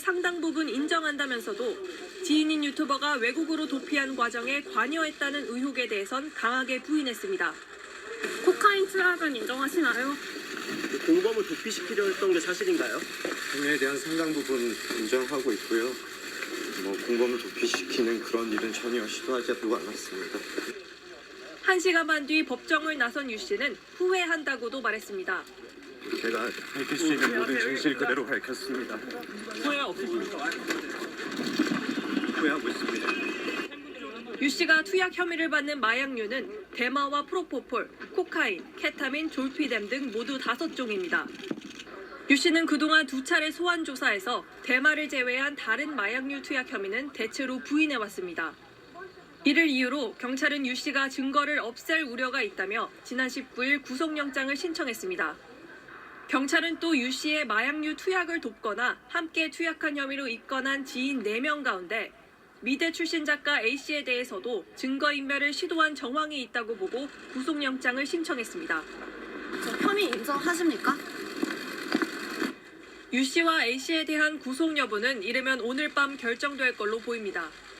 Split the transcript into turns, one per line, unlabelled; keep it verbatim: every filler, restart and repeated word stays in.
상당 부분 인정한다면서도 지인인 유튜버가 외국으로 도피한 과정에 관여했다는 의혹에 대해선 강하게 부인했습니다.
코카인 투약은 인정하시나요?
공범을 도피시키려 했던 게 사실인가요?
혐의에 대한 상당 부분 인정하고 있고요. 뭐 공범을 도피시키는 그런 일은 전혀 시도하지도 않았습니다.
한 시간 반 뒤 법정을 나선 유 씨는 후회한다고도 말했습니다.
제가 밝힐 수 있는 모든 진실 그대로 밝혔습니다.
후회 없으십니까?
후회하고 있습니다.
유 씨가 투약 혐의를 받는 마약류는 대마와 프로포폴, 코카인, 케타민, 졸피뎀 등 모두 다섯 종입니다. 유 씨는 그동안 두 차례 소환 조사에서 대마를 제외한 다른 마약류 투약 혐의는 대체로 부인해왔습니다. 이를 이유로 경찰은 유 씨가 증거를 없앨 우려가 있다며 지난 십구 일 구속영장을 신청했습니다. 경찰은 또 유 씨의 마약류 투약을 돕거나 함께 투약한 혐의로 입건한 지인 네 명 가운데 미대 출신 작가 A씨에 대해서도 증거인멸을 시도한 정황이 있다고 보고 구속영장을 신청했습니다.
저 혐의 인정하십니까?
유 씨와 A씨에 대한 구속 여부는 이르면 오늘 밤 결정될 걸로 보입니다.